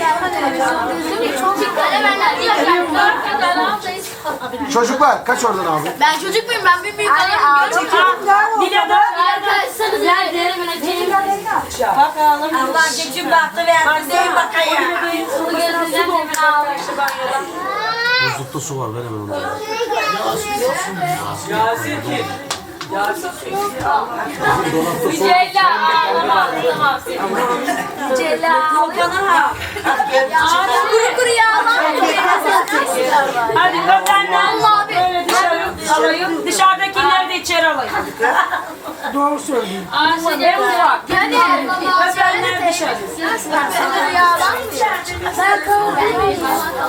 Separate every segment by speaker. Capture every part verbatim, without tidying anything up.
Speaker 1: Çocuklar kaç oradan abi?
Speaker 2: Ben çocuk muyum? Ben bir büyük adamım.
Speaker 3: Dilo'da
Speaker 2: Arkadaşlarınız nerede?
Speaker 3: bakalım. Allah geçim baktı verdi. Değil bakayım.
Speaker 1: Buzlukta su var, ver hemen onu.
Speaker 4: Yasin kim? Yasin kim?
Speaker 2: Cella ağlama. Cella ağlama. Kuru kuru yağlama.
Speaker 3: Hadi öpenden
Speaker 2: Allah
Speaker 3: böyle dışarı alayım. Dışarıdakileri de içeri alayım.
Speaker 1: Doğru söylüyorsun.
Speaker 3: Ben uzak.
Speaker 2: Yani
Speaker 3: Öpenler dışarı.
Speaker 2: kuru yağlama. Ben kalabilirim.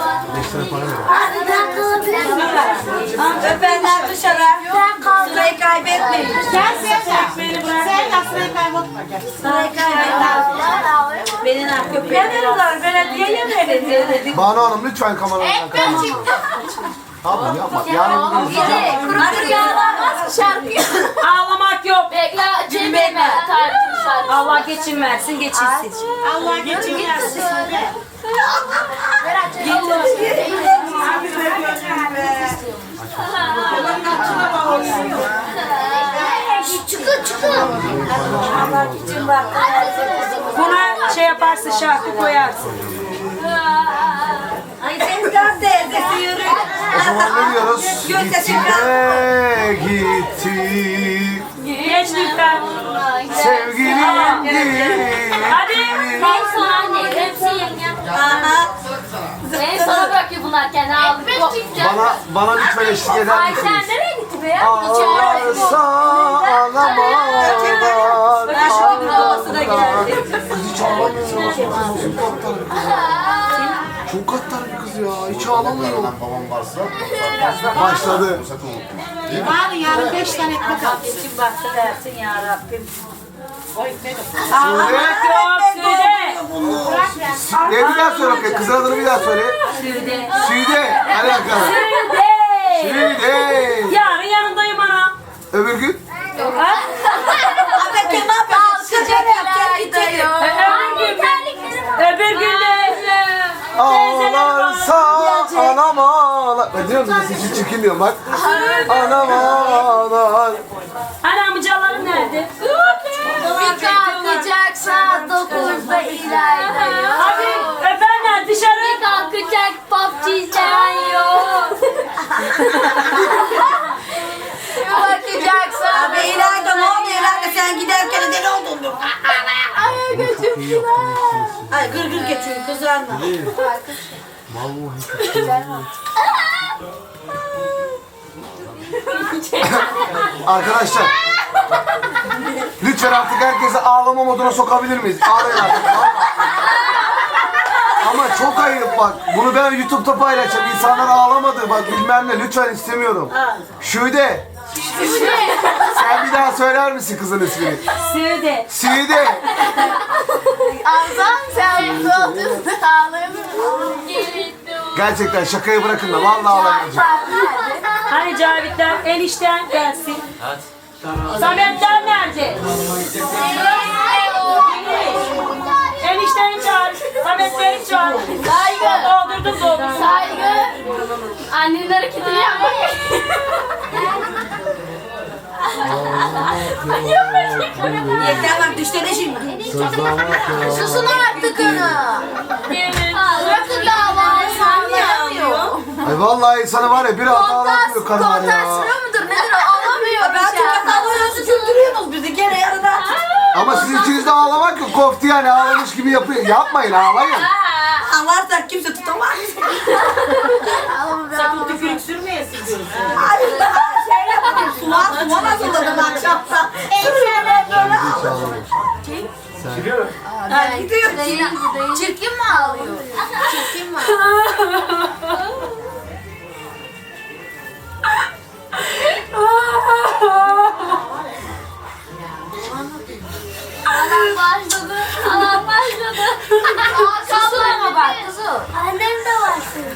Speaker 2: Ben kalabilirim.
Speaker 3: Öpenler dışarı.
Speaker 2: Ben kaldım.
Speaker 3: Sırayı kaybetmeyin.
Speaker 5: Sen sen beni bırak. Sen de sırayı kaybetme. Gel.
Speaker 3: Sırayı kaybetmeyin. Beni ne yapıyor? Veriyorlar. Belediyeye verin.
Speaker 1: Banu Hanım lütfen kameradan kaçın. Abi yapma. Yani bugün
Speaker 2: Yedi. Kuru kuru yağlanmaz mı şarkı?
Speaker 3: Ağlamak yok.
Speaker 2: Bekle. Cembe. Tarihçi şarkı.
Speaker 3: Allah geçin versin, geçirsin.
Speaker 5: Allah geçirmesin.
Speaker 2: Çıkın çıkın.
Speaker 3: Allah geçin bak. Buna şey yaparsın, şarkı koyarsın. Ay sen de teyzesi yürü.
Speaker 1: o zaman ne diyoruz? Gitti de gitti.
Speaker 3: Geç lütfen.
Speaker 1: Sevgilim gitti.
Speaker 3: Hadi.
Speaker 2: En son anne. Hepsi yengem.
Speaker 3: Aha.
Speaker 2: En sona bırakıyor bunlar kendi aldı.
Speaker 1: Bana, bana lütfen eşlik eder
Speaker 2: Ay
Speaker 1: misiniz?
Speaker 2: sen nereye gitti be?
Speaker 1: Ağlarsa ağlamalar.
Speaker 3: Ben şu gibi havasına geldi.
Speaker 1: Kız hiç ağlamıyor. Çok katlar bir kız. Çok katlar bir kız ya. Hiç ağlamıyor.
Speaker 6: Babam varsa
Speaker 1: Başladı.
Speaker 6: sakın unutma.
Speaker 5: Var yarın beş tane ekmek al.
Speaker 3: Geçin baktı versin ya Rabbim.
Speaker 1: Söyle.
Speaker 3: Yok Süde.
Speaker 1: Ne bir daha söyle bakayım. Kızın adını bir daha söyle.
Speaker 3: Süde.
Speaker 1: Süde. Hadi bakalım.
Speaker 3: Süde.
Speaker 1: Süde.
Speaker 3: Yarın yanındayım ana.
Speaker 1: Öbür gün?
Speaker 3: Ha?
Speaker 2: Abi ne yapıyorsun? Sıcaklar gidiyor.
Speaker 3: Öbür gün. Öbür gün de.
Speaker 1: Ağlarsa anam ağlar. Ben diyorum da sesi çirkin diyorum bak. Anam ağlar.
Speaker 3: Hani amcaların nerede?
Speaker 2: Bir kalkacak saat dokuzda ilerliyor.
Speaker 3: Abi öpenler dışarı.
Speaker 2: Bir kalkacak P U B G izleyen yok. Bir bakacak saat.
Speaker 3: Abi İlayda ne oluyor İlayda sen giderken deli oldun diyor.
Speaker 2: Ay gözüm güzel.
Speaker 3: Ay gır gır geçiyor kızarma.
Speaker 1: Arkadaşlar. Lütfen artık herkesi ağlama moduna sokabilir miyiz? Ağlayın artık. Ama çok ayıp bak. Bunu ben YouTube'da paylaşacağım. İnsanlar ağlamadı bak bilmem ne. Lütfen istemiyorum. Şude. Sen bir daha söyler misin kızın ismini?
Speaker 3: Süde.
Speaker 1: Süde.
Speaker 2: Azam sen bu otuzda ağlamıyorsun.
Speaker 1: Gerçekten şakayı bırakın da vallahi ağlamayacağım.
Speaker 3: Hani Cavitler enişten gelsin. Sametler nerede? Enişteni çağır. Sametleri çağır.
Speaker 2: Saygı.
Speaker 3: Doldurdum doldurdum.
Speaker 2: Saygı. Annenin hareketini yapmak.
Speaker 3: Yeter bak düştene şimdi.
Speaker 2: Susun artık onu. Bırakın davayı sağlayamıyor.
Speaker 1: Ay vallahi sana var ya bir hata ağlatmıyor kadınlar ya.
Speaker 2: Kontansiyonu mudur nedir o alamıyor.
Speaker 3: Ben çok alıyorsun güldürüyorsunuz bizi gene yarıda.
Speaker 1: Ama sizin içinizde ağlamak yok. Koftu yani ağlamış gibi yapıyor. Yapmayın ağlayın.
Speaker 3: Ağlarsak kimse tutamaz.
Speaker 5: Sakın tükürük sürmeyesin diyorsun.
Speaker 3: Ay şey yapalım. Sular sular hazırladım akşamda. Sürüyorlar böyle.
Speaker 2: Ben gidiyor. Çirkin mi ağlıyor? Çirkin mi ağlıyor? Alan başladı. Alan başladı. Susun bak kızım. Annem de başladı.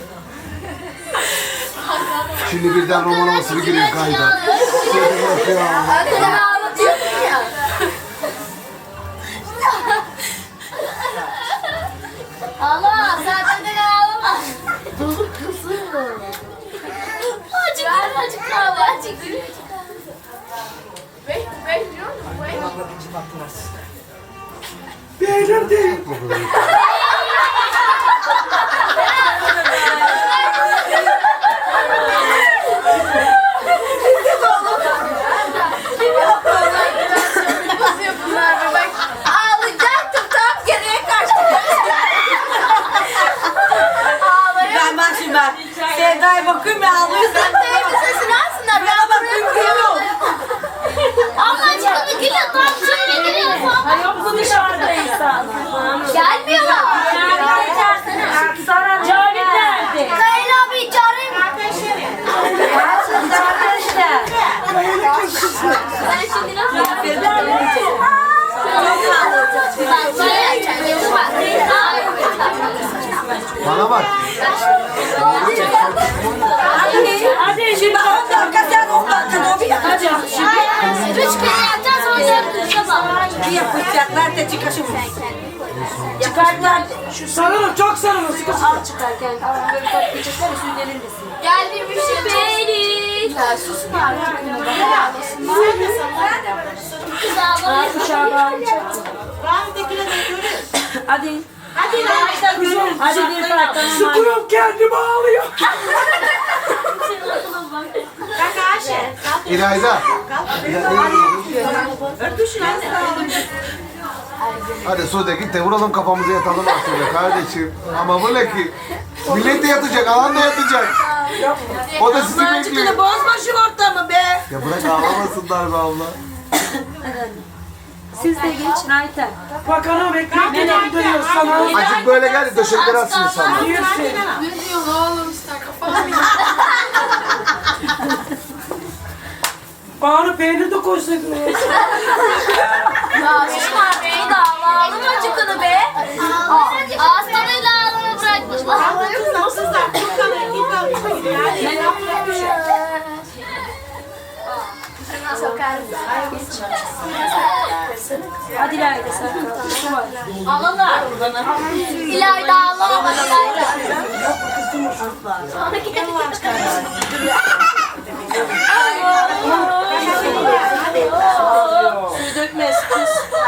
Speaker 1: Şimdi birden roman havası bir giriyor kayda. Şöyle bakıyor.
Speaker 2: Önceden ağlatıyordun ya. Allah Açık kaldı, açık. Beş, beş diyor musun? Beş.
Speaker 1: Beğenir değil.
Speaker 2: Nasıl yapıyorlar be bak. Ağlayacaktım tam geriye kaçtım. Ağlayayım.
Speaker 3: Ben bak şimdi ben. Sevda'ya bakıyorum ya ağlıyor.
Speaker 2: Sen teyze sesini alsınlar. Ben
Speaker 3: bakıyorum, gülüyor.
Speaker 2: Abla çıkını gülüyor. Tam şimdi gülüyor.
Speaker 5: Yok bu dışarıda insan.
Speaker 2: Gelmiyorlar.
Speaker 5: Cavit nerede?
Speaker 2: Kayın abi çağırayım. Ben şimdi nasıl yapayım?
Speaker 1: Bana bak.
Speaker 5: Hadi şimdi
Speaker 3: on dakika sen on dakika o bir
Speaker 5: hadi.
Speaker 2: Üç kere yapacağız sonra yapacağız.
Speaker 3: Bir yapacaklar da çıkışım.
Speaker 5: Çıkartlar. Şu sarılın çok sarılın. Sıkı sıkı.
Speaker 2: Al çıkarken. Böyle toplayacaklar üstünün elindesin. Geldi bir şey beni. Ya susun artık. Kız ağlamayın.
Speaker 3: Rahmetlikine de görürüz.
Speaker 5: Hadi.
Speaker 3: Hadi lan.
Speaker 5: Kuzum. Hadi bir parça. Sıkıyorum kendimi ağlıyor.
Speaker 3: Kanka Ayşe.
Speaker 1: İlayda.
Speaker 3: Öpüşün anne.
Speaker 1: Hadi Sude git de vuralım kafamızı yatalım artık be kardeşim. Ama bu ne ki? Millet de yatacak, alan da yatacak. O da sizi bekliyor.
Speaker 3: Çıkını bozma şu ortamı be.
Speaker 1: Ya bırak ağlamasınlar be abla.
Speaker 5: Siz de geçin Ayten. Bakalım ekmekten dönüyor sana.
Speaker 1: Azıcık böyle gel de döşekleri atsın insanlar.
Speaker 5: Yürüsün.
Speaker 2: Ne diyorsun oğlum işte kafam.
Speaker 5: Bari peynir de koysaydın.
Speaker 2: Ya susun artık. Beni de ağla. Ağlama çıkını be. Ağız tadıyla ağlama bırakmışlar.
Speaker 3: Kızlar çok kanır. Git
Speaker 5: Hadi Lale sen. Şu var.
Speaker 2: Ağlalar. İlayda ağlama. İlayda.
Speaker 5: Suyu dökmez kız.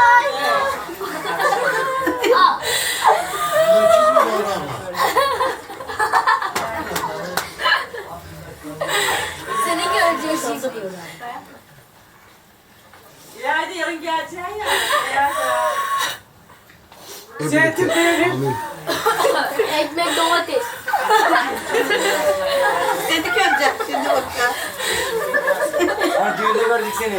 Speaker 2: Al. Seni göreceksin.
Speaker 5: Hadi yarın geleceksin ya.
Speaker 1: Zeytin peynir.
Speaker 2: Ekmek domates.
Speaker 3: Seni göreceğim. Şimdi bakacağım.
Speaker 4: Ha düğünde gördük seni.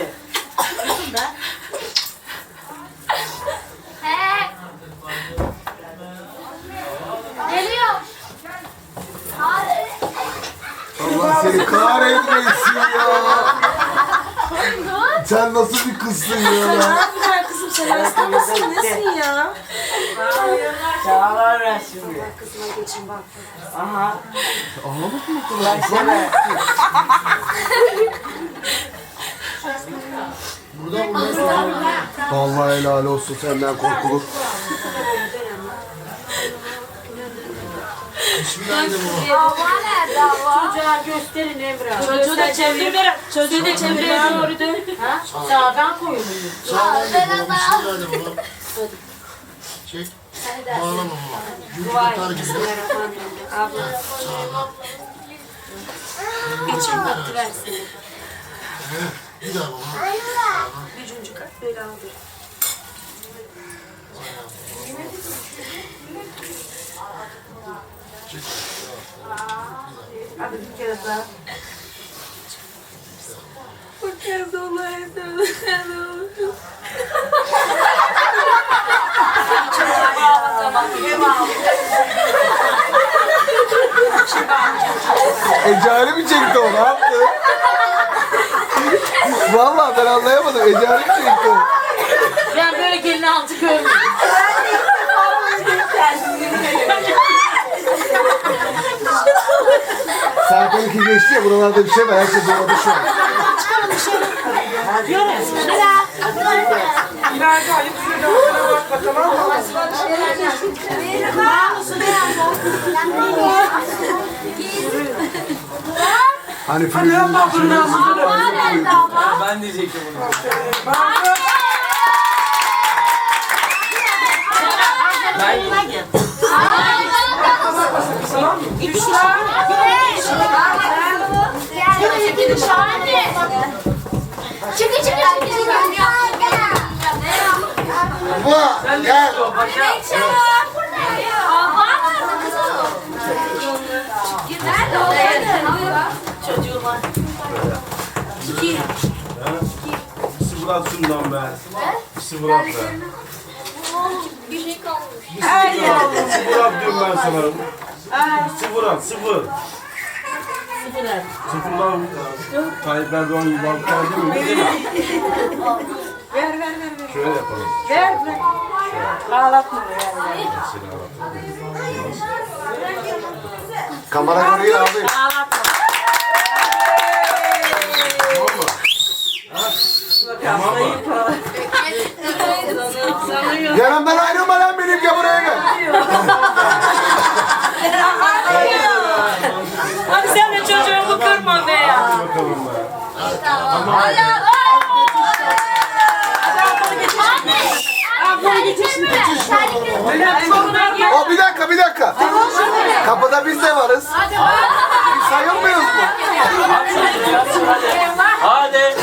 Speaker 2: He. Geliyor.
Speaker 1: Allah seni kahretmesin ya. Sen nasıl bir kızsın ya?
Speaker 5: Güzel kızım sen hasta mısın? Nesin ya?
Speaker 4: Çağlar ver şimdi.
Speaker 5: Kızıma geçin bak.
Speaker 4: Aha.
Speaker 1: Ağlamak mı bu kadar?
Speaker 4: Versene.
Speaker 6: Buradan buradan sonra.
Speaker 1: Vallahi helal olsun senden korkulur.
Speaker 6: Bismillahirrahmanirrahim baba.
Speaker 2: Hava nerede hava?
Speaker 5: Çocuğa gösterin Emrah. Çocuğu da çevir. Çocuğu da çevreye doğru dön. Ha? Sağdan koyun.
Speaker 6: Sağdan gel baba. Bismillahirrahmanirrahim baba. Çek. Bağlama baba. Gülcük atar gibi.
Speaker 5: Abla.
Speaker 6: Sağdan.
Speaker 5: Geçin baktı versin.
Speaker 6: Bir daha baba.
Speaker 5: Üçüncü kat böyle aldı.
Speaker 6: Çek.
Speaker 5: Hadi bir kere daha. Bir kere daha olaydı.
Speaker 1: Ecari mi çekti o? Ne yaptı? Vallahi ben anlayamadım. Ecari mi çekti o?
Speaker 5: Ben böyle gelin altı görmedim.
Speaker 1: Serkan iki geçti ya buralarda bir şey var. Herkes orada şu an.
Speaker 5: İleride Ali Kuzey'de ortana bakma tamam mı?
Speaker 1: Hani filmin
Speaker 4: Ben diyecektim bunu.
Speaker 2: Çıkın çıkın çıkın.
Speaker 6: Baba gel.
Speaker 7: Sıfır at şundan be. Sıfır at be.
Speaker 2: Bir şey kalmış.
Speaker 7: Sıfır at diyorum ben sana. Sıfır at, sıfır. Sıfırlar. Tayyip Erdoğan gibi bak geldi mi? Değil mi?
Speaker 3: Ver ver ver. ver.
Speaker 7: Şöyle yapalım.
Speaker 3: Ver ver. Ağlatma ver ver.
Speaker 1: kamera görüyor abi.
Speaker 3: Ağlatma.
Speaker 1: Yanımdan ayrılma lan benim ya buraya gel.
Speaker 5: Hadi sen de çocuğumu kırma be ya.
Speaker 7: Bakalım be.
Speaker 1: O bir dakika bir dakika. Kapıda biz de varız. Biz sayılmıyoruz mu?
Speaker 4: Hadi.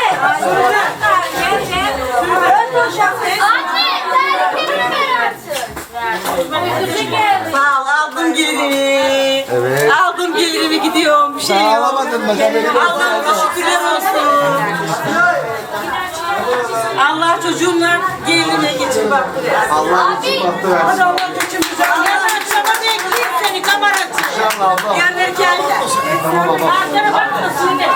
Speaker 3: Sağ ol aldım gelini.
Speaker 1: Evet.
Speaker 3: Aldım gelinimi gidiyorum bir şey
Speaker 1: Sen
Speaker 3: yok.
Speaker 1: ağlamadın mı? Sen benim
Speaker 3: Allah'ıma şükürler olsun. Allah çocuğumla gelinime geçir bak buraya.
Speaker 1: Allah'ın için baktı
Speaker 3: Hadi
Speaker 1: versin.
Speaker 3: Allah çocuğumuza. Yarın akşama bekleyeyim seni kameracı.
Speaker 1: İnşallah abla.
Speaker 3: Gelirken de.
Speaker 1: Tamam abla.
Speaker 5: Arkana bakma şimdi.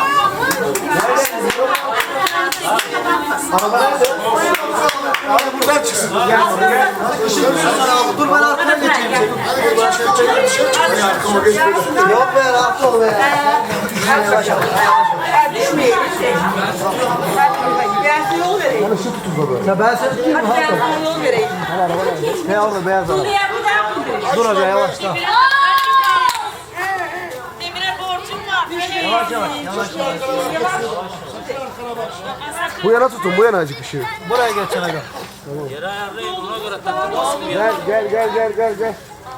Speaker 1: Araba nerede? Abi buradan çıksın. Gel buraya gel. Dur ben arkana geçeyim. Yok be rahat ol be.
Speaker 3: Düşmeyin. Ben size yol vereyim.
Speaker 1: Ya ben seni tutayım
Speaker 3: Hadi ben sana yol vereyim.
Speaker 1: Ne orada beyaz araba.
Speaker 3: Diğer bir daha mı?
Speaker 1: Dur hadi yavaşla.
Speaker 5: Demire borcum var. Bir şey
Speaker 1: Yavaş yavaş. Yavaş yavaş. Bu yana tutun, bu yana acık ışığı. Buraya geç yana gel.
Speaker 4: Yere ayarlayın ona göre takılmasın ya.
Speaker 1: Gel gel gel gel gel gel.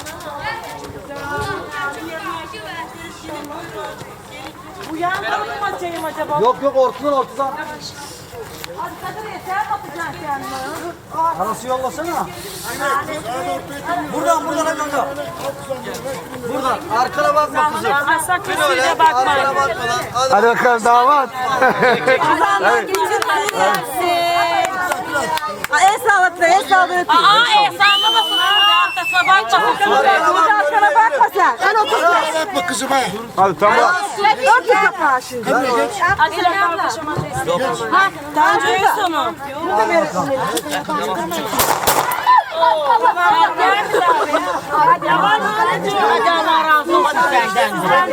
Speaker 5: Bu yandan mı açayım acaba?
Speaker 1: Yok yok ortadan ortadan.
Speaker 3: Hadi Kadir'e sen yapacaksın kendini.
Speaker 1: Anası yollasana. Buradan buradan hadi oradan. Buradan. Arkana bakma kızım.
Speaker 5: Ama sakın size bakmayın.
Speaker 1: Hadi bakalım damat.
Speaker 3: Kazanlar geçirmeyi versin. El sağlatma, el sağlatma.
Speaker 5: Aa e sallamasın. Arkasına bakma.
Speaker 3: Burada arkana bakma sen. Sen otur.
Speaker 6: Yapma kızım ha.
Speaker 1: Hadi tamam.
Speaker 3: Ört bir kapağı şimdi.
Speaker 5: Hadi kardeşim. Ha, daha önce en sonu. Hadi Allah razı olsun senden.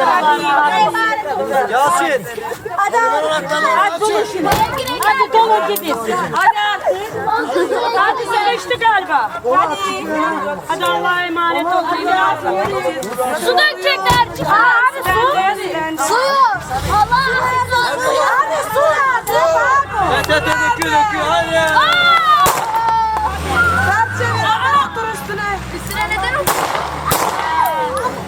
Speaker 1: Yasin.
Speaker 3: Hadi hadi dolu şimdi.
Speaker 5: Hadi dolu gidin. Hadi artık. Hadi sen içti galiba. Hadi. Hadi Allah'a emanet ol.
Speaker 2: Su dökecekler. Abi su. Su. Allah razı olsun.
Speaker 3: Hadi su hadi.
Speaker 4: Döküyor döküyor hadi.
Speaker 2: Aa!